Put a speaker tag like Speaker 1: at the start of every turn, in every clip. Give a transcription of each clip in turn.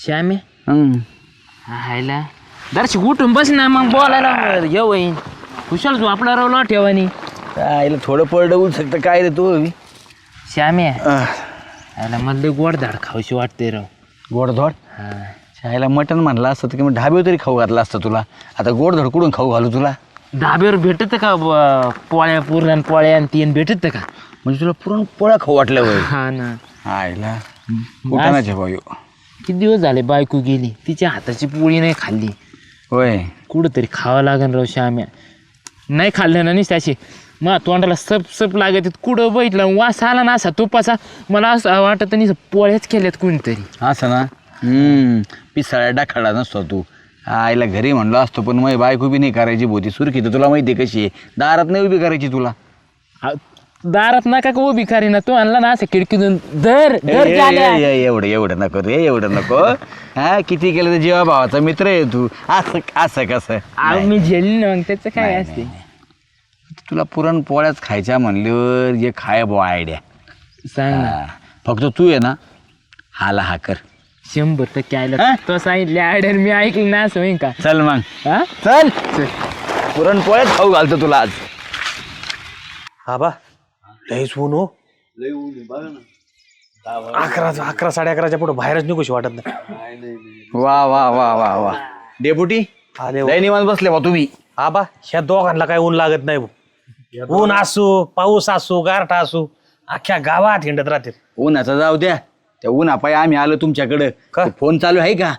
Speaker 1: श्यामे हायला दर्शक उठून बस ना मग बोलायला येऊ येईन कुशाल तू आपला रावला ठेवानी
Speaker 2: आईला थोडं पडलं होऊ शकतं काय रे तू
Speaker 1: श्यामे आयला मला गोडधाड खाऊशी वाटते राव
Speaker 2: गोडधोड
Speaker 1: हा
Speaker 2: आईला मटण म्हणलं असतं तर किंवा ढाब्यावर तरी खाऊ घातलं असतं तुला आता गोडधोड कुठून खाऊ घालू तुला
Speaker 1: धाब्यावर भेटत का पोळ्या पुरण पोळ्या आणि तीन भेटत का
Speaker 2: म्हणजे तुला पुरण पोळ्या खाऊ वाटलं वय
Speaker 1: हा ना
Speaker 2: आईला कुठानाचे भाऊ
Speaker 1: किती दिवस झाले बायको गेली तिच्या हाताची पोळी नाही खाल्ली
Speaker 2: होय
Speaker 1: कुठंतरी खावं लागेल राव श्याम्या नाही खाल्लं ना नाही त्याची मग तोंडाला सप सप लागत कुठं बैठलं वास आला ना असा तुपाचा मला असं वाटत नाही पोळ्याच केल्यात कोणीतरी
Speaker 2: असं ना पिसाळ्या डाखाडा नसतो तू आईला घरी म्हणलो असतो पण मग बायको बी नाही करायची भोती सुरखी तर तुला माहिती आहे कशी आहे दारात नाही उभी करायची तुला
Speaker 1: दारात नका का उभी करी ना तू आणला ना असं खिडकीतून दर
Speaker 2: एवढं नको रे एवढं नको हा किती केलं तर जीवा भावाचा मित्र आहे तू असं असं कसं
Speaker 1: मी झेलली ना मग त्याचं काय असते
Speaker 2: तुला पुरण पोळ्याच खायच्या म्हणल्यावर जे खाय बो आयडिया
Speaker 1: सांग ना
Speaker 2: फक्त तू आहे ना हाला हा कर
Speaker 1: 100% आयला तो सांगितले आयडर मी ऐकलं ना असं होईन का
Speaker 2: चल मग
Speaker 1: हा
Speaker 2: चल पुरण पोळ्याच खाऊ घालतो तुला आज
Speaker 3: हा बा लईच ऊन हो 11 11:30 पुढे बाहेरच निघूशी वाटत नाही
Speaker 2: वा वा वा वा वा डेपुटी
Speaker 3: आले
Speaker 2: लय निवांत बसले बा तुम्ही
Speaker 3: हा बा ह्या दोघांना काय ऊन लागत नाही भाऊ. ऊन असू पाऊस असू गारठा असू अख्ख्या गावात हिंडत राहते
Speaker 2: उन्हाचा जाऊ द्या त्या उन्हापाय आम्ही आलो तुमच्याकडं
Speaker 3: का?
Speaker 2: फोन चालू आहे का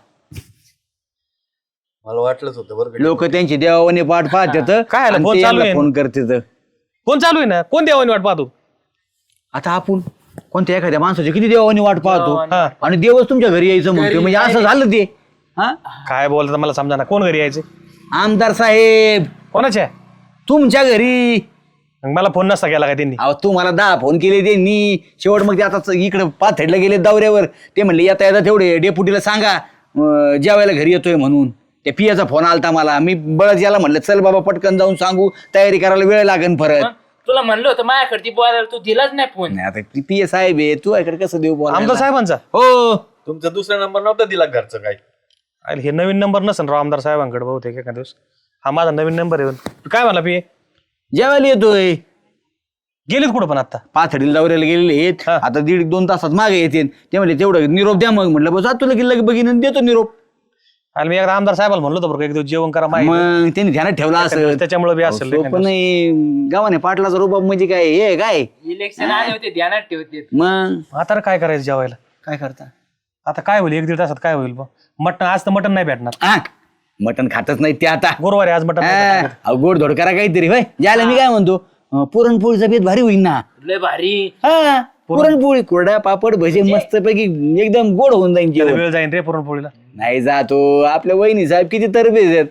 Speaker 4: मला वाटलंच होतं बरं
Speaker 2: लोक त्यांची देवाने पाठ पाहतात
Speaker 3: काय आलं? फोन चालू आहे.
Speaker 2: फोन करतात
Speaker 3: कोण चालू आहे ना कोण देवानी वाट पाहतो
Speaker 2: आता आपण कोणत्या एखाद्या माणसाची किती देवाने वाट पाहतो
Speaker 3: हा.
Speaker 2: आणि देवच तुमच्या घरी यायचं म्हणतो म्हणजे असं झालं ते हा
Speaker 3: काय बोलतात मला समजा ना कोण घरी यायचे
Speaker 2: आमदार साहेब
Speaker 3: कोणाच्या
Speaker 2: तुमच्या घरी
Speaker 3: मग मला फोन नसता केला काय त्यांनी
Speaker 2: अहो तुम्हाला 10 फोन केले त्यांनी शेवट मग ते आता इकडे पाथडला गेले दौऱ्यावर ते म्हणले येता येता तेवढे डेपुटीला सांगा जेवायला घरी येतोय म्हणून त्या पियाचा फोन आलता मला मी बळच याला म्हणलं चल बाबा पटकन जाऊन सांगू तयारी करायला वेळ लागेल परत
Speaker 1: तुला म्हणलं होतं माझ्याकडे बोलायला तू दिलाच नाही फोन
Speaker 2: नाही आता पिया साहेब आहे तू इकडे कसं देऊ बोला
Speaker 3: आमदार साहेबांचा
Speaker 2: हो
Speaker 4: तुमचा दुसरा नंबर नव्हता दिला घरचं काय
Speaker 3: अरे हे नवीन नंबर नसेल राव आमदार साहेबांकडे बहुतेक एका दिवस हा माझा नवीन नंबर आहे तू काय म्हणला पी
Speaker 2: जेवायला येतोय
Speaker 3: गेलीत कुठं पण आता
Speaker 2: पाथडीला दौऱ्याला गेलेले आहेत
Speaker 3: हा.
Speaker 2: आता 1.5-2 तासात मागे येते ते म्हणले तेवढं निरोप द्या मग म्हटलं बस तुला गेलं बघीन आणि देतो निरोप
Speaker 3: आणि मी एकदा आमदार साहेबाला म्हणलो होतो बरं का, एक दिवस जेवण करा माहिती
Speaker 2: मग त्यांनी ध्यानात ठेवला असं
Speaker 3: त्याच्यामुळे बी असेल
Speaker 2: पण नाही गावाने पाटलाचा रुबाब म्हणजे काय हे काय
Speaker 1: इलेक्शन आले होते ध्यानात ठेवते
Speaker 2: मग
Speaker 3: आता काय करायचं जेवायला
Speaker 2: काय करता
Speaker 3: आता काय होईल 1-1.5 तासात काय होईल मटण आज तर मटण नाही भेटणार
Speaker 2: मटण खातच नाही ते आता
Speaker 3: गुरुवारी आज मटण नाही भेटणार.
Speaker 2: अहो, गोड धोड करा काहीतरी होय ज्याला मी काय म्हणतो पुरणपोळीचा बेत भारी होईल ना
Speaker 1: लय भारी
Speaker 2: हा पुरणपोळी कोरडा पापड भजे मस्त पैकी एकदम गोड होऊन जाईल
Speaker 3: त्याला
Speaker 2: जेवण.
Speaker 3: वेळ जाईन रे पुरणपोळीला
Speaker 2: नाही जातो आपल्या वहिनी साहेब किती तरबेज आहेत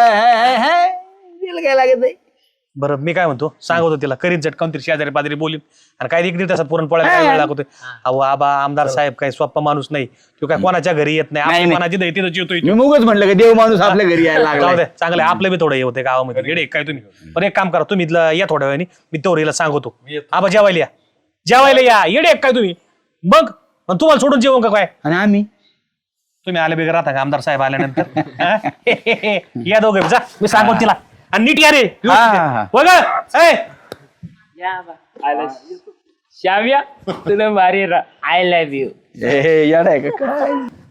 Speaker 2: तिला काय लागत नाही
Speaker 3: बरं मी काय म्हणतो सांगतो होतो तिला करीन चटकावून तरी शेजारी पाजारी बोलीन आणि काय 1-1.5 तासात पुरणपोळ्या काय वेळ लागतोय अहो आबा आमदार साहेब काय सोप्पा माणूस नाही तो काय कोणाच्या घरी येत नाही
Speaker 2: नाही.
Speaker 3: आपण कोणाची दैती जेवतोय
Speaker 2: मी मुगच म्हटलं का देव माणूस आपल्या घरी यायला
Speaker 3: जाऊ
Speaker 2: लागला
Speaker 3: दे चांगलं आपलं बी थोडं हे होते गावामध्ये येडे काय तुम्ही पण एक काम करा तुम्ही इथलं या थोड्या वेळाने मी तेवढीला सांगतो आबा जेवायला या येडे काय तुम्ही मग तुम्हाला सोडून जेवण का काय
Speaker 2: आणि आम्ही
Speaker 3: तुम्ही आले बिगर राहता का आमदार साहेब आल्यानंतर हा? या दोघे जा मी सांगतो तिला आणि नीट या रे
Speaker 2: हा.
Speaker 3: बघा
Speaker 1: श्याम्या तुला भारी आय लव्ह यू
Speaker 2: याड आहे का काय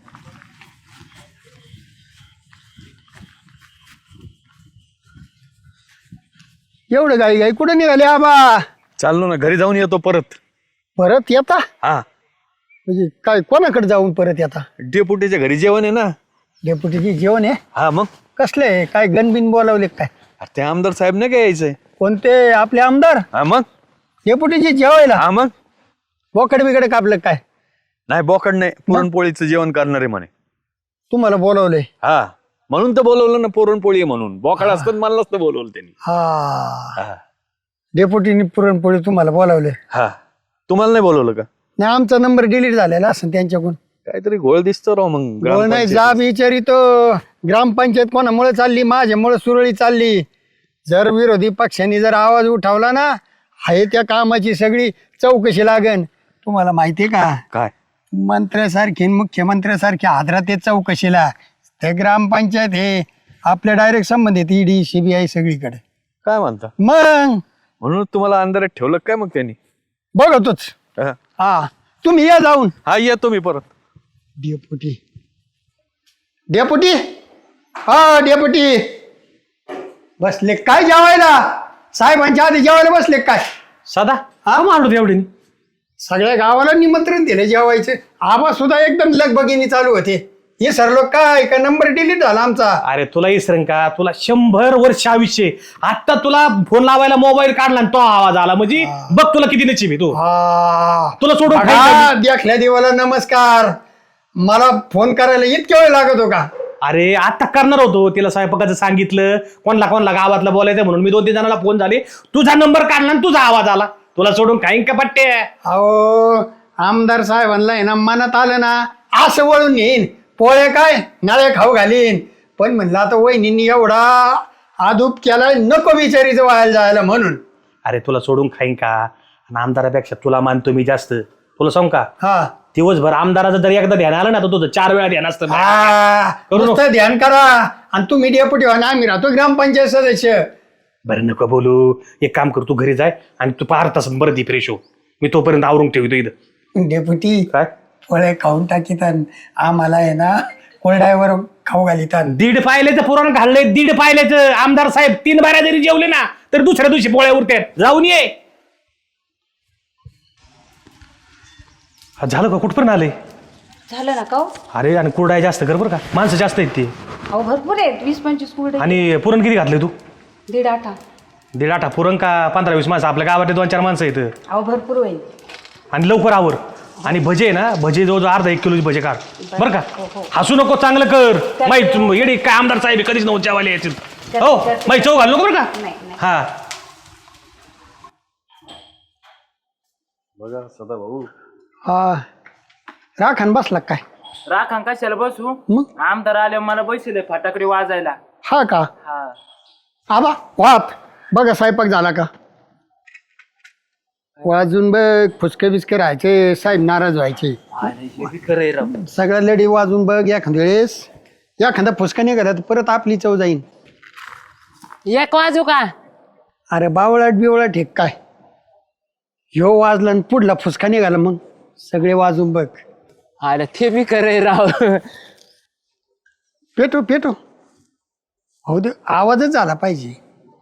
Speaker 5: एवढं गाई गाई कुठे निघाले आबा
Speaker 4: चाललो ना घरी जाऊन येतो परत
Speaker 5: परत येता
Speaker 4: हा
Speaker 5: म्हणजे काय कोणाकडे जाऊन परत येता
Speaker 4: डेपुटीच्या घरी जेवण आहे ना
Speaker 5: डेप्युटीची जेवण आहे
Speaker 4: हा मग
Speaker 5: कसले आहे? काय गणबिन बोलावले काय
Speaker 4: अरे ते आमदार साहेब नाही काय यायचंय
Speaker 5: कोणते आपले आमदार
Speaker 4: हा मग
Speaker 5: डेप्युटीची जेवायला
Speaker 4: हा मग
Speaker 5: बोकड बिकडे कापलं काय
Speaker 4: नाही बोकड नाही पुरणपोळीचं जेवण करणार आहे म्हणे
Speaker 5: तुम्हाला बोलावलंय
Speaker 4: हा म्हणून तर बोलवलं ना पुरणपोळी आहे म्हणून बोकड असतं मला नसतं बोलवलं त्यांनी
Speaker 5: हा डेप्युटीने पुरणपोळी तुम्हाला बोलावले
Speaker 4: हा तुम्हाला नाही बोलवलं का
Speaker 5: नाही आमचा नंबर डिलीट झालेला असं त्यांच्याकडून
Speaker 4: काहीतरी घोळ दिसतो राव मग
Speaker 5: बोल नाही
Speaker 4: ग्रामपंचायतीत.
Speaker 5: जा विचारितो ग्रामपंचायत कोणामुळे चालली माझ्यामुळे सुरळी चालली जर विरोधी पक्षांनी जर आवाज उठवला ना आहे त्या कामाची सगळी चौकशी लागन तुम्हाला माहितीये का
Speaker 4: काय
Speaker 5: मंत्र्यासारखी आणि मुख्यमंत्र्यासारखी हादरात येत चौकशीला. ते ग्रामपंचायत हे आपल्या डायरेक्ट संबंधित ईडी CBI सगळीकडे.
Speaker 4: काय म्हणता
Speaker 5: मग
Speaker 4: म्हणून तुम्हाला अंधारात ठेवलं काय मग त्यांनी?
Speaker 5: बघतोच.
Speaker 4: हा.
Speaker 5: हा तुम्ही या जाऊन.
Speaker 4: हा येतो मी परत.
Speaker 5: डेपुटी डेपुटी हा डेपुटी बसले काय जेवायला? साहेबांच्या आधी जेवायला बसले काय?
Speaker 3: साधा हा मांडलो एवढे
Speaker 5: सगळ्या गावाला निमंत्रण दिले जेवायचे. आवाज सुद्धा एकदम लगबगीने चालू होते. हे सर लोक काय का नंबर डिलीट झाला आमचा.
Speaker 3: अरे तुला इसरण का तुला 100 वर्ष आयुष्य आता तुला फोन लावायला मोबाईल काढला आणि तो आवाज आला म्हणजे बघ तुला किती नचिबी तू तुला सोडून खायचं मी.
Speaker 5: देखल्या देवाला नमस्कार. मला फोन करायला इतक्या वेळ लागत हो का?
Speaker 3: अरे आता करणार होतो तिला स्वयंपाकाचं सांगितलं कोणला गावातला बोलायचं म्हणून मी 2-3 जणांना फोन झाले तुझा नंबर काढला आणि तुझा आवाज आला तुला सोडून खाईन का पट्टे.
Speaker 5: अहो आमदार साहेबांना आहे ना मनात आलं ना असं वळून येईन पोळे काय नळ्या खाऊ घालीन. पण म्हणलं आता वहिनींनी एवढा आदूप केला नको विचारीचं व्हायला जायला म्हणून.
Speaker 3: अरे तुला सोडून खाईन का आणि आमदारापेक्षा तुला मानतो मी जास्त. तुला सांग का
Speaker 5: हा
Speaker 3: दिवसभर आमदाराचं जर एकदा ध्यान आलं ना तर तुझं 4 वेळा ध्यान असतं. करू नको.
Speaker 5: नुसतं ध्यान करा आणि तुम्ही डेपुटी व्हा ना आम्ही राहतो ग्रामपंचायत सदस्य.
Speaker 3: बरं नको बोलू एक काम कर तू घरी जाय आणि तू 5 तासात बरं दी फ्रेश हो मी तोपर्यंत आवरून ठेवतो इथं.
Speaker 5: डेपुटी
Speaker 3: काय
Speaker 5: फळे खाऊन टाकीतात आम्हाला आहे ना कोरड्यावर खाऊ घालितात.
Speaker 3: 1.5 पायल्याचं पुराण घाललंय 1.5 पायल्याचं. आमदार साहेब 3 बाऱ्या जरी जेवले ना तर दुसऱ्या दिवशी पोळ्या उरतात. जाऊन ये. झालं का कुठपर्यंत आले?
Speaker 6: झालं ना का हो?
Speaker 3: अरे आणि कुरडाय जास्त कर बरं का माणसं जास्त आहेत ते.
Speaker 6: अहो भरपूर आहेत 20-25 कुरडे.
Speaker 3: आणि पुरण किती घातलंय तू?
Speaker 6: 1.5 आठा.
Speaker 3: 1.5 आठा पुरण का 15-20 माणसं आपल्या गावात 2-4 माणसं आहेत.
Speaker 6: अहो भरपूर होईल.
Speaker 3: आणि लवकर आवर. आणि भजे आहे ना भजे जवळजवळ अर्धा 1 किलोची भजे काढ बरं का. हसू नको चांगलं कर माहिती येडे काय आमदार साहेब कधीच नव्हते जेवायला यायचे. हो माहिती चव घालू नको बरं का.
Speaker 6: नाही नाही.
Speaker 3: हा
Speaker 4: बघा सदा भाऊ
Speaker 5: हा राखण बसला काय?
Speaker 1: राखा कशाला बसू
Speaker 5: मग
Speaker 1: आमदार आले मला बसले फटाकडे वाजायला.
Speaker 5: हा का?
Speaker 1: हा
Speaker 5: आबा वाप बघा स्वयंपाक झाला का? वाजून बघ फुसके बिस्के राहायचे साहेब नाराज व्हायचे.
Speaker 1: खरंय राव.
Speaker 5: सगळ्या लढी वाजून बघ एखाद्या वेळेस एखादा फुसका नाही करत परत आपली चव जाईन.
Speaker 1: एक वाजू का?
Speaker 5: अरे बावळाट बिवळाट हे काय ह्यो वाजला आणि पुढला फुसका निघाला मग सगळे वाजून बघ.
Speaker 1: अरे ते बी खरंय राव.
Speaker 5: पेटो पेटो हो दे आवाजच झाला पाहिजे.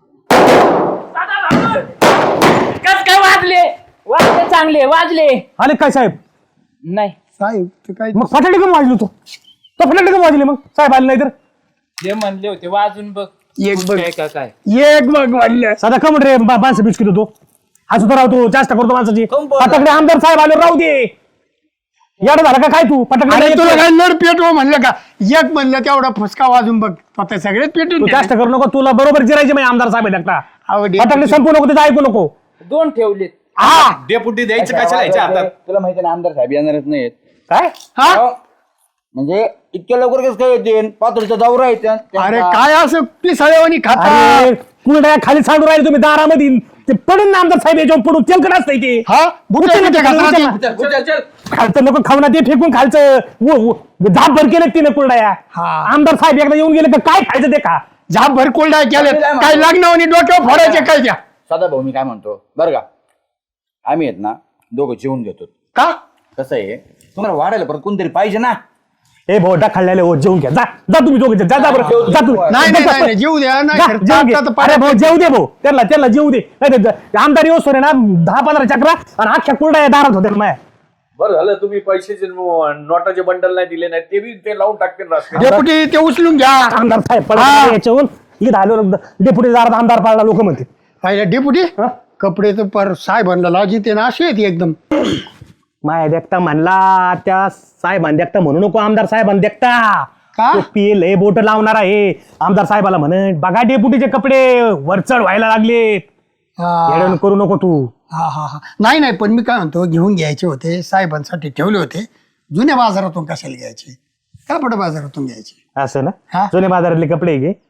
Speaker 1: कस काय वाजले चांगले वाजले.
Speaker 3: आले काय साहेब?
Speaker 1: नाही
Speaker 5: साहेब ते काय
Speaker 3: मग फटाके कमी वाजलो तो फटाके कमी वाजले मग साहेब आले नाही तर
Speaker 1: जे म्हणले होते वाजून बघ.
Speaker 5: एक बघ
Speaker 1: काय काय
Speaker 5: एक बघ वाढलं.
Speaker 3: साधा कमट रे माणसं बिस्किट होतो आज सुद्धा राहतो जास्त करतो माणसाची. फटाकडे आमदार साहेब आले राहू दे. याड झाला का काय तू
Speaker 5: अरे
Speaker 3: फटाकडे
Speaker 5: तुला काय नड पेटव म्हणलं का? एक म्हणलं तेवढा फुसका वाजून बघ आता सगळेच पेटून
Speaker 3: तू जास्त करू नको तुला बरोबर जिरायचे म्हणजे आमदार साहेब आहेत एकटा. फटाकडे संपू नको त्याचं ऐकू नको.
Speaker 1: 2 ठेवलेत.
Speaker 3: हा
Speaker 4: डेपुटी द्यायचं कशाला याच्या हातात?
Speaker 2: तुला माहिती ना आमदार साहेब येणारच नाहीत.
Speaker 3: काय
Speaker 5: हा
Speaker 2: म्हणजे इतक्या लवकर कसं काय येते पातळीचा दौरा आहे
Speaker 5: अरे काय असं पिसाळेवानी खाता?
Speaker 3: अरे कुरड्या खाली सांडून राहिले तुम्ही दारामध्ये ते पडून ना आमदार साहेब याच्यावर पडून तेलकट असतंय ते.
Speaker 5: हा बुटे बिटे खाता
Speaker 3: उचल
Speaker 5: ना ते?
Speaker 3: खालचं नको खाऊ ना ते फेकून खालचं झाप भर केलं तिने कुरड्या.
Speaker 5: हा.
Speaker 3: आमदार साहेब एकदा येऊन गेले का काय खायचं ते खा.
Speaker 5: झाप भर कोल्डा केले काय लग्नावनी डोक्यावर फोडायचे काय त्या?
Speaker 2: सदा भाऊ मी काय म्हणतो बरं का आम्ही आहेत ना दोघं जेवून घेतो.
Speaker 5: का
Speaker 2: कसं आहे तुम्हाला वाढायला परत कोणतरी पाहिजे ना.
Speaker 3: ए भोटा खाल्ल्याले हो जेवून घ्या जा जा तुम्ही दोघे जा जा बरं जा तुम्ही.
Speaker 5: नाही नाही नाही जेऊ द्या नाही
Speaker 3: जा,
Speaker 5: खरं
Speaker 3: जेवून घे.
Speaker 5: आता तर
Speaker 3: अरे भाऊ
Speaker 5: पाण्यात-
Speaker 3: जेऊ दे भाऊ त्याला जेऊ दे नाही तर आमदार येऊस आहे ना 10-15 चक्रा आणि अख्ख्या कुरड्या दारात होत्या माया.
Speaker 4: बरं झालं तुम्ही पैशाचे नोटाचे बंडल नाही दिले नाही ते बी ते लावून टाकतील रस्ते.
Speaker 5: डेपुटी ते उचलून घ्या.
Speaker 3: आमदार साहेब पडा याच्यावरून इथं आलो डेप्युटी दारात आमदार पाडला लोक म्हणते.
Speaker 5: पाहिजे डेपुटी कपडे तर पर साहेबांना लाजी ते ना अशी येते एकदम.
Speaker 3: माया देखता म्हणला त्या साहेबांना देखता म्हणू नको आमदार साहेबांना देखता
Speaker 5: का?
Speaker 3: पील हे बोट लावणार आहे आमदार साहेबाला म्हण बघा डेपुटीचे कपडे वरचढ व्हायला लागलेत.
Speaker 5: हा
Speaker 3: येडण करू नको तू.
Speaker 5: हा हा हा नाही नाही पण मी काय म्हणतो घेऊन घ्यायचे होते साहेबांसाठी ठेवले होते. जुन्या बाजारातून कशाला घ्यायचे कापड बाजारातून घ्यायचे.
Speaker 3: असं
Speaker 5: हा.
Speaker 3: ना जुन्या बाजारातले कपडे घे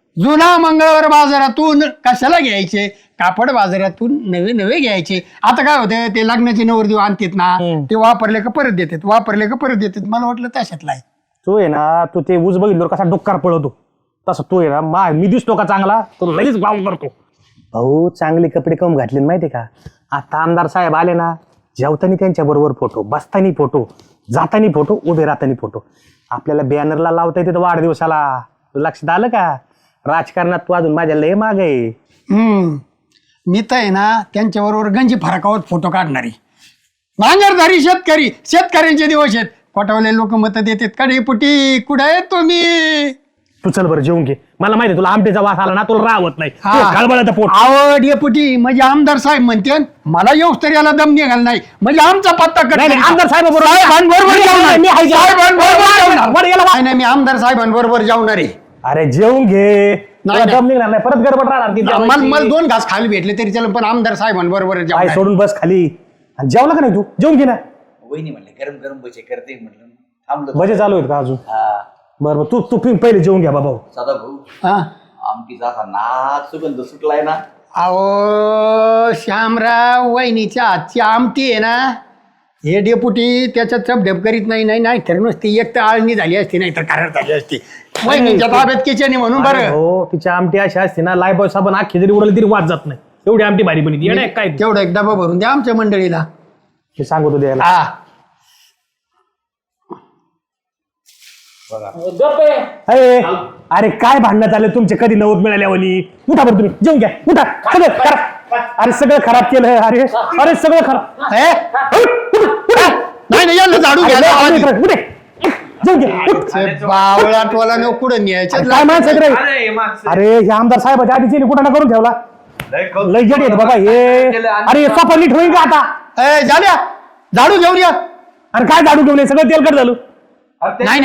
Speaker 5: जुना मंगळवार बाजारातून कशाला घ्यायचे, कापड बाजारातून नवे नवे घ्यायचे. आता काय होतं, ते लग्नाचे नवरदेव आणतात ना, ते वापरले का परत देतात, वापरले का परत देतात. मला वाटलं तशातला आहे.
Speaker 3: तू आहे ना, तू ते ऊस बघितलं कसा डोक्कार पळवतो तसं तू आहे ना. मी दिसतो का चांगला, तो लगेच गाव करतो. भाऊ चांगले कपडे कम घातले माहितीये का. आता आमदार साहेब आले ना, जेवताना त्यांच्या बरोबर फोटो, बसतानी फोटो, जातानी फोटो, उभे राहतानी फोटो. आपल्याला बॅनरला लावता येते वाढदिवसाला. लक्षात आलं का. राजकारणात तू अजून माझ्या लय माग आहे.
Speaker 5: मी तर आहे ना त्यांच्याबरोबर गंजी फरकावत फोटो काढणारी. नांगरधारी शेतकऱ्यांचे दिवस आहेत. पटवले लोक मत देतात का डेपुटी, कुठे आहे तुम्ही.
Speaker 3: तू चल बरं जेवून घे. मला माहिती तुला आमटेचा वास आला ना, तुला राहत नाही. खळबळाचं पोट.
Speaker 5: आवड डेपुटी म्हणजे आमदार साहेब म्हणते मला येऊस तरी याला दम निघाल नाही, म्हणजे आमचा पत्ता
Speaker 3: आमदार साहेबांबरोबर
Speaker 5: नाही, मी आमदार साहेबांबरोबर जाऊणार आहे.
Speaker 3: अरे जेवून घे. दम निघणार नाही, परत गडबड राहणार.
Speaker 5: मला 2 घास खाली भेटले तरी चल, पण आमदार साहेबांबरोबर
Speaker 3: काय
Speaker 5: जाऊन
Speaker 3: सोडून बस खाली. आणि जेवला का नाही तू, जेवून घे ना.
Speaker 2: वहिनी म्हणले गरम गरम भजे करते म्हटलं थांबलो.
Speaker 3: भजे चालू आहेत का अजून.
Speaker 2: हा
Speaker 3: बरोबर तू पहिले जेवून घ्या बाबा.
Speaker 2: सदा भाऊ आमटीचा असा नाच सुगंध सुटलाय ना.
Speaker 5: अहो श्यामराव, वहिनीच्या हातची आमटी आहे ना, हे डेपुटी त्याच्यात चपढेप करीत नाही तर नुसती एक तर आळणी झाली असती, नाही तर कारड झाली असती. वहिनीच्या ताब्यात किचन म्हणून बरं.
Speaker 3: हो तिच्या आमटी अशी असते ना, लायबॉय साबण अख्खी जरी उडली तरी वाद जात नाही. एवढी आमटी भारी बनी येणार काय.
Speaker 5: तेवढा एक डबा भरून द्या आमच्या मंडळीला.
Speaker 3: मी सांगतो द्यायला.
Speaker 5: हा
Speaker 3: अरे काय भांडण्यात आले तुमचे, कधी नवत मिळाल्यावानी. उठा बरं तुम्ही, जेवून घ्या. उठा सगळं खराब. अरे सगळं खराब केलं. अरे अरे सगळं खराब.
Speaker 5: नाही याला झाडू घ्या. बावळाटवाला न कुठं न्यायचं.
Speaker 3: काय माणसं रे. अरे हे आमदार साहेबाच्या आधीचे कुठं ना करून ठेवला. लय जड येत बाबा हे. अरे सोपा नीट होईल का आता.
Speaker 5: झाल्या झाडू घेऊन या.
Speaker 3: अरे काय झाडू घेऊन सगळं तेलकट झालं.
Speaker 5: नाही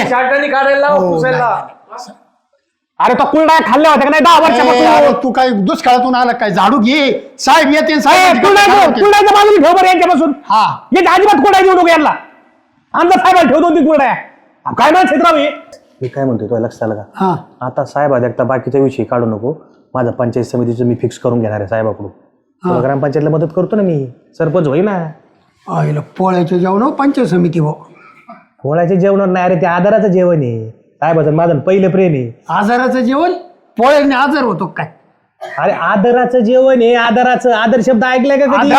Speaker 3: अरे तो कुलडा खाल्ल्या होत्या का नाही 10 वर्षापासून.
Speaker 5: तू काय दुष्काळातून आला काय, झाडू घे. साहेब येते
Speaker 3: कुलडाच्या बाजूने ठेव बरं यांच्यापासून.
Speaker 5: हा
Speaker 3: याच्या अजिबात कुलडा घेऊ नको यांना. आमदार साहेबाला ठेवतो ती कुलडा. काय ना क्षेत्राव मी काय म्हणतोय तुला लक्षात आलं का. आता साहेब एकदा बाकीचा विषय काढू नको. माझा पंचायत समितीचं मी फिक्स करून घेणार आहे साहेबाकडून. तुला ग्रामपंचायतला मदत करतो ना मी, सरपंच होईल ना.
Speaker 5: पोळ्याचे जेवण पंचायत समिती भाऊ.
Speaker 3: पोळ्याचे जेवण नाही अरे, ते आधाराचं जेवण आहे साहेबाचं. माझं पहिलं प्रेम आहे.
Speaker 5: आजाराचं जेवण. पोळ्याने आजार होतो काय.
Speaker 3: अरे आदराचं जेवण आहे. आदर शब्द ऐकलाय का कधी.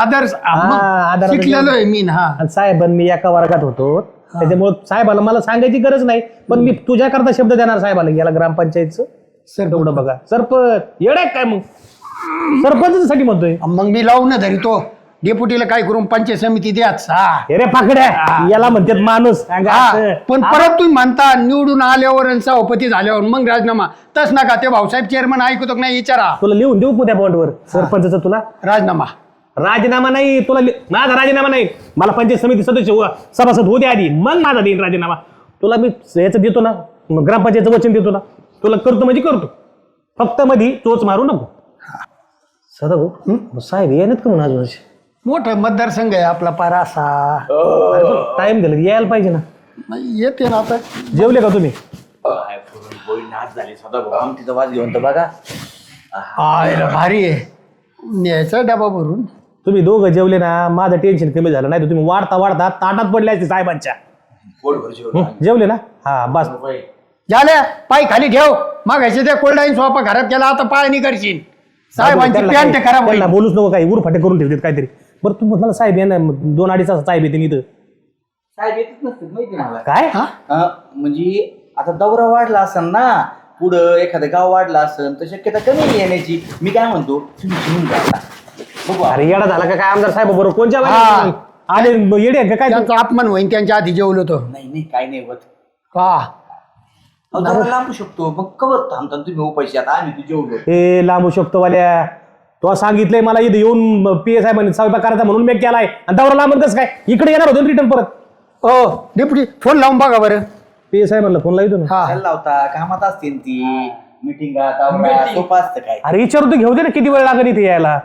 Speaker 5: आदर शिकलेलो आहे मी ना.
Speaker 3: आणि साहेब मी एका वर्गात होतो, त्याच्यामुळे साहेबाला मला सांगायची गरज नाही, पण मी तुझ्याकरता शब्द देणार साहेबाला. याला ग्रामपंचायतचं सर तेवढं बघा. सरपंच येडाय काय मग, सरपंच साठी म्हणतोय.
Speaker 5: मग मी लावून ना धरी तो डेपुटीला काय करून पंचायत समिती द्याच.
Speaker 3: अरे पाकड्या याला म्हणतात माणूस.
Speaker 5: पण परत तुम्ही म्हणता निवडून आल्यावर आणि सभापती झाल्यावर मग राजीनामा. तस नका, ते भाऊसाहेब चेअरमन ऐकतो का नाही विचारा.
Speaker 3: तुला लिहून देऊ त्या बॉन्डवर सरपंचाचं. तुला राजीनामा नाही. तुला माझा राजीनामा नाही. मला पंचायत समिती सदस्य सभासद होते आधी, मग माझा देईन राजीनामा. तुला मी याचं देतो ना, ग्रामपंचायतचं वचन देतो ना. तुला करतो म्हणजे करतो, फक्त मध्ये चोच मारू नको. सदा भाऊ साहेब येणार का म्हणून अजून.
Speaker 5: मोठा मतदारसंघ आहे आपला पारा असा.
Speaker 3: टाइम दिला यायला पाहिजे ना.
Speaker 5: येते ना आता.
Speaker 3: जेवले का तुम्ही.
Speaker 2: नाच झाले सदा भाऊ आमटीचा वाज घेऊन तर बघा.
Speaker 5: भारी आहे. न्यायचा डबा भरून.
Speaker 3: तुम्ही दोघं जेवले ना, माझं टेन्शन कमी झालं. नाही तर तुम्ही वाढता ताटात पडले असते साहेबांच्या. जेवले ना. हा बस
Speaker 5: झाल्या. पाय खाली ठेव. मागायचे त्या कोल्डाईन सोपा खराब केला, आता पाय नाही करशील. साहेबांची पॅन्ट खराब होईल.
Speaker 3: बोलूच नको काही, उरफाटे करून ठेवतात काहीतरी. बरं तू म्हटलं साहेब येणार 2-2.5 तास साहेब येते इथं.
Speaker 2: साहेब येतच नसतात माहिती ना.
Speaker 3: काय
Speaker 2: म्हणजे आता दौरा वाढला असेल ना, पुढं एखादं गाव वाढलं असेल तर शक्यता कमी आहे येण्याची. मी काय म्हणतो तुम्ही घेऊन जा.
Speaker 3: अरे येडा झाला का काय आमदार साहेब बरोबर कोणच्या आले येडे का काय.
Speaker 5: त्यांचा अपमान होईन त्यांच्या आधी जेवलो तो.
Speaker 2: नाही काय नाही होत.
Speaker 5: का
Speaker 2: लांबू शकतो मग कवर थांबता तुम्ही पैसे. आता आम्ही तू जेवलो.
Speaker 3: हे लांबू शकतो वाल्या. तो सांगितलंय मला इथे येऊन PA साहेबांनी स्वयंपाक करायचा म्हणून मी केलाय. आणि दौरा लांब कसं काय इकडे येणार होतो रिटर्न परत.
Speaker 5: हो डेप्युटी फोन लावून बघा बरं.
Speaker 3: PA साहेबांना फोन लावतो ना.
Speaker 5: हा
Speaker 2: लावता कामात असतील ती मिटिंग सोपं असतं काय.
Speaker 3: अरे विचारू तू घेऊ दे ना किती वेळ लागेल इथे यायला.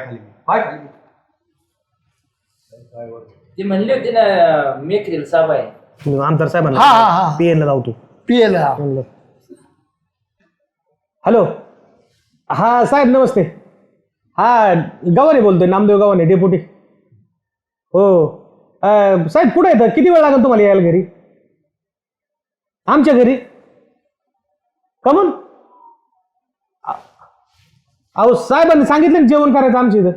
Speaker 1: ते म्हणले होते ना मेकरील साहेब आहे.
Speaker 3: आमदार साहेबांना
Speaker 5: हा.
Speaker 3: PA ला लावतो.
Speaker 5: पियला
Speaker 3: हॅलो, हा साहेब नमस्ते. हा गव्हाणे बोलतोय, नामदेव गव्हाणे, डेप्युटी. हो साहेब कुठे येतं, किती वेळ लागेल तुम्हाला यायला घरी? आमच्या घरी कमून? अहो साहेबांनी सांगितलं ना जेवण करायचं आमच्या इथं.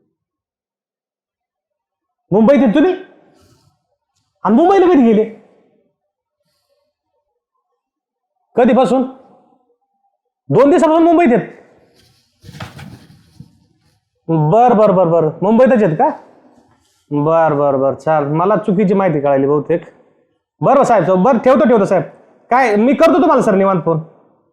Speaker 3: मुंबईत आहेत तुम्ही? आणि मुंबईला कधी गेले? कधीपासून? 2 दिवसापासून मुंबईत आहेत. बर बर बर बर, मुंबईतच आहेत का? बर बर बर, चाल. मला चुकीची माहिती कळाली बहुतेक. बरं साहेब, बरं ठेवतो साहेब. काय मी करतो तुम्हाला सर निवांत फोन.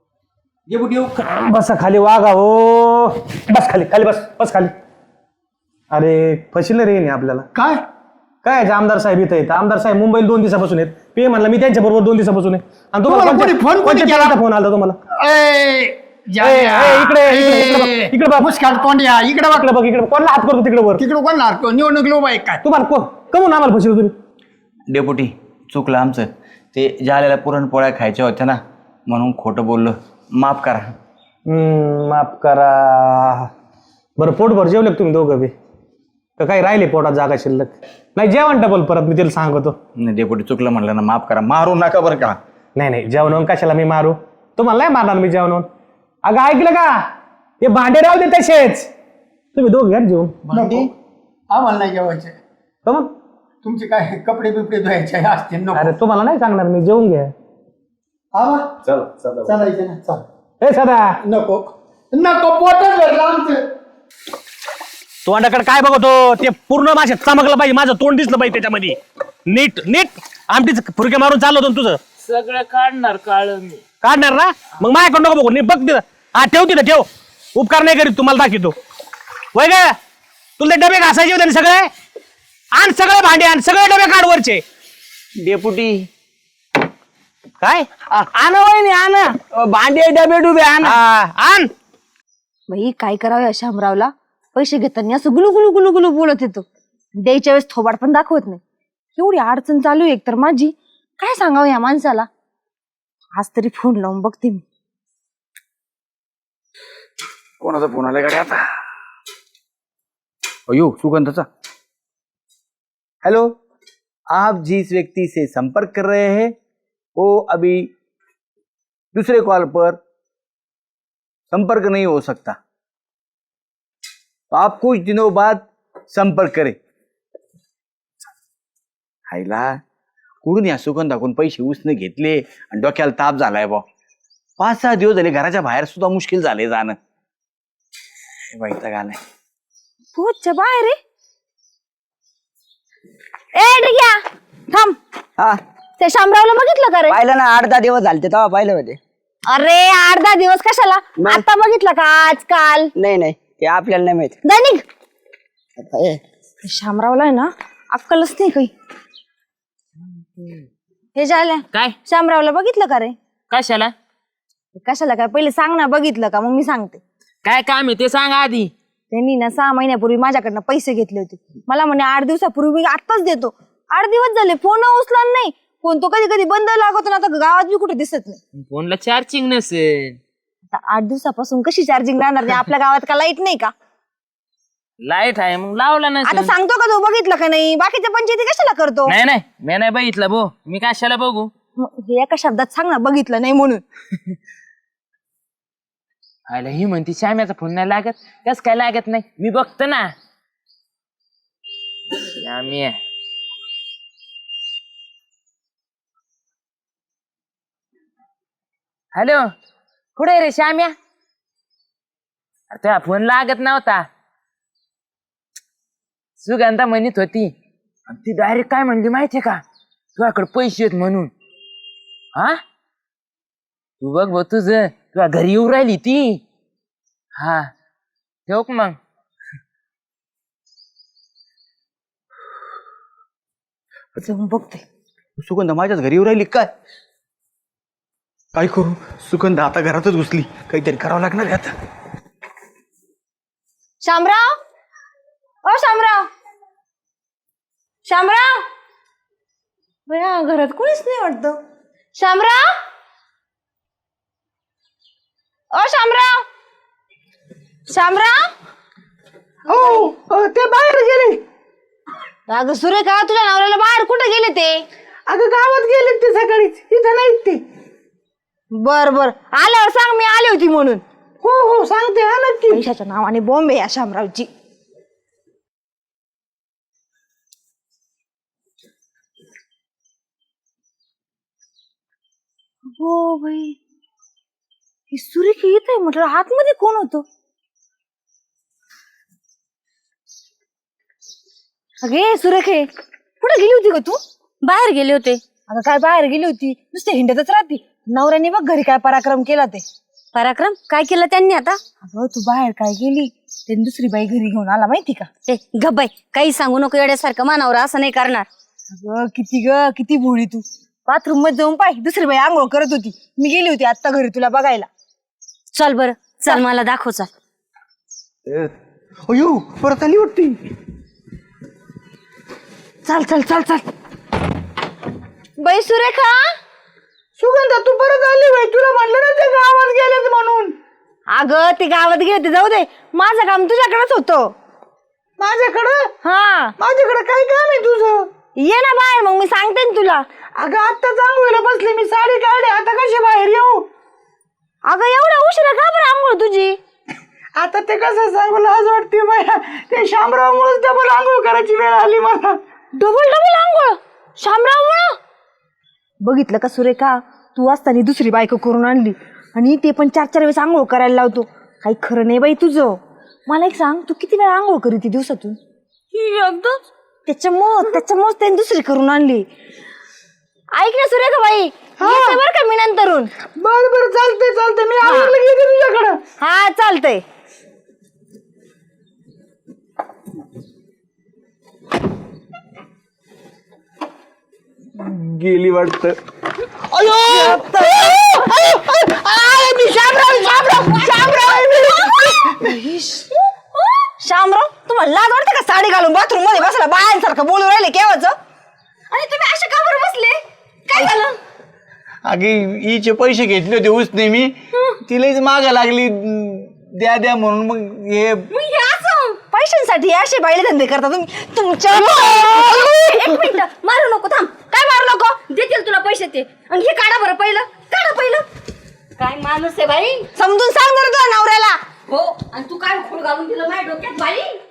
Speaker 3: बसा खाली, वागा हो. बस खाली खाली, बस खाली. अरे फशील रे नाही आपल्याला.
Speaker 5: काय
Speaker 3: काय आमदार साहेब इथं आहेत. आमदार साहेब मुंबईला 2 दिवसापासून आहेत. पे म्हणलं मी त्यांच्या बरोबर 2 दिवसापासून आहे. आणि
Speaker 5: तुम्हाला कोणी फोन केला?
Speaker 3: फोन आला तुम्हाला?
Speaker 5: इकडे बघ, मुस्काट तोंड्या, इकडे बघ.
Speaker 3: इकडे कोणाला हात करतो तिकडे वर?
Speaker 5: तिकडे कोण लागतो? निवडणूक लोक आहे काय?
Speaker 3: तुम्हाला कमून आम्हाला फशील तुम्ही?
Speaker 2: डेपुटी चुकलं आमचं. ते जाल्याला पुरणपोळ्या खायच्या होत्या ना, म्हणून खोटं बोललो, माफ करा.
Speaker 3: माफ करा. बरं पोटभर जेवले का तुम्ही दोघं बी? का काही राहिले पोटात जागा शिल्लक? नाही जेवण डबल परत मी तिला सांगतो.
Speaker 2: नाही डेपुटी चुकलं म्हणलं ना, माफ करा. मारू नका बरं का.
Speaker 3: नाही जेवण कशाला मी मारू? तुम्हाला नाही मारणार मी जेवण. अगं ऐकलं का? ते भांडे राहू दे तसेच, तुम्ही दोघं घ्या जेवण.
Speaker 5: नको, आम्हाला नाही जेवायचे.
Speaker 3: मग
Speaker 5: तुमचे काय कपडे बिपडे धुवायचे असतील? नको.
Speaker 3: अरे तुम्हाला नाही सांगणार मी, जेवून घ्या.
Speaker 5: आवा चालायचं ना, चाल.
Speaker 3: ए सदा,
Speaker 5: नको पोटच भरलं आमचं.
Speaker 3: तोंडाकडे काय बघतो? ते पूर्ण माझ्या चमकलं पाहिजे, माझं तोंड दिसलं पाहिजे त्याच्यामध्ये. नीट आमटीच फुरके मारून चाललो होतो तुझं.
Speaker 1: सगळं काढणार काळ मी.
Speaker 3: काढणार ना? मग माझ्याकडे नको बघू, नीट बघ तिथं. हा ठेव तिथं, ठेव. उपकार नाही करीत, तुम्हाला दाखवतो. वय ग, तुला ते डबे घासायचे होते ना सगळे? आण सगळे भांडे, आण सगळे डबे काढ वरचे.
Speaker 2: डेपुटी
Speaker 3: काय
Speaker 2: आण वहिनी, आण भांडे डबे डुबे आण.
Speaker 3: आण.
Speaker 6: बाई काय करावं या शामरावला? पैसे घेताना असं गुलू गुलू गुलू गुलू बोलत येतो, द्यायच्या वेळेस थोबाड पण दाखवत नाही. एवढी अडचण चालू आहे एकतर माझी, काय सांगावं या माणसाला. आज तरी फोन लावून बघते मी.
Speaker 2: कोणाचा फोन आलाय गाडी आता? अयो सुगंधाचा. हेलो, आप जिस व्यक्ति से संपर्क कर रहे हैं वो अभी दूसरे कॉल पर संपर्क नहीं हो सकता, तो आप कुछ दिनों बाद संपर्क करें. हायला कुठून या सुगंधाकडून पैसे उसने घेतले आणि डोक्याला ताप झालाय बा. 5-6 दिवस झाले घराच्या बाहेर सुद्धा मुश्किल झाले जाणं. वैताग आलाय.
Speaker 6: पोहोचच्या बाहेर रे. ए डिग्या थांब.
Speaker 7: हा
Speaker 6: त्या शामरावला बघितलं का रे?
Speaker 7: पाहिलं ना, 8-10 दिवस झाले तेव्हा पाहिलं होते.
Speaker 6: अरे 8-10 दिवस कशाला? आता बघितलं का आजकाल?
Speaker 7: नाही ते आपल्याला नाही माहित.
Speaker 6: दैनिक
Speaker 7: आता हे
Speaker 6: शामरावला आहे ना अक्कलच नाही काही. हे झालं
Speaker 1: काय
Speaker 6: शामरावला बघितलं का रे?
Speaker 1: कशाला?
Speaker 6: कशाला काय पहिले सांग ना, बघितलं का? मग मी सांगते.
Speaker 1: काय काम आहे ते सांग आधी.
Speaker 6: त्यांनी ना 6 महिन्यापूर्वी माझ्याकडनं पैसे घेतले होते. मला म्हणे 8 दिवसापूर्वी मी आत्ताच देतो. 8 दिवस झाले फोन उचला नाही. फोन तो कधी कधी बंद लागतो ना, आता गावात बी कुठे दिसत नाही.
Speaker 1: फोनला चार्जिंग नसेल.
Speaker 6: आता 8 दिवसापासून कशी चार्जिंग राहणार नाही? आपल्या गावात का लाईट नाही का?
Speaker 1: लाईट आहे मग लावला
Speaker 6: आता
Speaker 1: नसेल.
Speaker 6: सांगतो का तू बघितलं का नाही? बाकीच्या पंचायती कशाला करतो?
Speaker 1: नाही मी नाही बघितलं भो. मी कशाला बघू?
Speaker 6: हे एका शब्दात सांग ना, बघितलं नाही म्हणून.
Speaker 1: आयला ही म्हणती श्याम्याचा फोन नाही लागत. कस काय लागत नाही? मी बघतो ना. श्याम्या हॅलो, कुठे रे श्याम्या? अरे तुझा फोन लागत नव्हता. सुगंधा म्हणत होती आणि ती डायरेक्ट काय म्हणली माहितीये का? तुझ्याकडे पैसे आहेत म्हणून. हा तू बघ भाऊ, तुझ्या घरी येऊ राहिली ती. हा ठेव मग.
Speaker 6: जाऊन बघते.
Speaker 2: सुगंधा माझ्याच घरी येऊ राहिली काय? काय करू? सुगंधा आता घरातच घुसली, काहीतरी करावं लागणार आहे आता.
Speaker 6: शामराव, ओ शामराव, शामराव. बया घरात कोणीच नाही वाटतं. शामराव, ओ शामराव, शामराव.
Speaker 3: हो ते बाहेर गेले.
Speaker 6: अगं सुरेखा, तुझ्या नवऱ्याला बाहेर कुठे गेले ते?
Speaker 3: अगं गावात गेले ते सकाळीच, इथं नाहीत ते.
Speaker 6: बर बर, आल्यावर सांग मी आली होती म्हणून.
Speaker 3: हो सांगते हा नक्की.
Speaker 6: पैशाच्या नावाने बॉम्ब आहे या शामरावची. हो भाई, ही सुरेखी येत आहे म्हटलं, आतमध्ये कोण होतं? अगे सुरेखे, कुठे गेली होती ग तू?
Speaker 8: बाहेर गेले होते.
Speaker 6: अगं काय बाहेर गेली होती, नुसते हिंडतच राहती. नवऱ्याने बघ घरी काय पराक्रम केला ते.
Speaker 8: पराक्रम काय केलं त्यांनी आता?
Speaker 6: अगं तू बाहेर काय गेली, ते दुसरी बाई घरी घेऊन आला माहिती का?
Speaker 8: ए गब्बाई, काही सांगू नको, येड्यासारखं मानावर असं नाही करणार.
Speaker 6: अगं किती भोळी तू. बाथरूम मध्ये जाऊन पाय, दुसरी बाई आंघोळ करत होती. मी गेली होती आता घरी तुला बघायला.
Speaker 8: चल बरं, चल मला दाखव, चल.
Speaker 3: अयो परत आली वाटते.
Speaker 6: चल चल चल चल. बाई सुरेखा,
Speaker 3: सुगंधा तू परत आली बाई, तुला म्हणलं ना ते गावात गेलेत म्हणून.
Speaker 6: अगं ते गावात गेले ते जाऊ दे, माझं काम तुझ्याकडेच होतं.
Speaker 3: माझ्याकडं?
Speaker 6: हा,
Speaker 3: माझ्याकडे काय काम आहे तुझं?
Speaker 6: ये ना बाहेर, मग मी सांगते ना तुला.
Speaker 3: अगं आत्ता चांगलं बसले, मी साडी काढली, आता कशी बाहेर येऊ?
Speaker 6: अगं एवढा उशिरा का बरं आंघोळ तुझी?
Speaker 3: आता ते कसं सांगू, लाज वाटते मला. ते शामरावमुळेच डबल आंघोळ करायची वेळ आली मला.
Speaker 6: डबल आंघोळ शामराव? बघितलं का सुरेखा, तू असताना दुसरी बायको करून आणली आणि ते पण 4-4 वेळेस आंघोळ करायला लावतो. काही खरं नाही बाई तुझं. मला एक सांग, तू किती वेळा आंघोळ करीती दिवसातून?
Speaker 8: एकदम.
Speaker 6: त्याच्यामुळेच त्याने दुसरी करून आणली. ऐक ना सुरेखा बाई, येते बरं का मी नंतरून.
Speaker 3: बरं चालतंय, मी आवडलं घेते तुझ्याकडं.
Speaker 6: हा चालतंय.
Speaker 3: गेली वाटतं.
Speaker 6: शामराव, तुम्हाला लाज वाटते का साडी घालून बाथरूम मध्ये बसला बायांसारखं बोलू राहिले केव्हाच?
Speaker 8: आणि तुम्ही अशा का बरं बसले? काय झालं?
Speaker 2: अगे हिचे पैसे घेतले होते उसने मी, तिलाच मागा लागली द्या म्हणून. मग हे
Speaker 6: पैशांसाठी असे बाईले धंदे करता तुम्ही तुमच्या.
Speaker 8: एक मिनिट, मारू नको, थांब. काय मारू नको, देतील तुला पैसे ते. आणि हे काढा बरं पहिलं, काढा पहिलं. काय माणूस आहे बाई.
Speaker 6: समजून सांग जरा तुझ्या नवऱ्याला.
Speaker 8: हो, आणि तू काय खूळ घालून दिलं माझ्या डोक्यात बाई.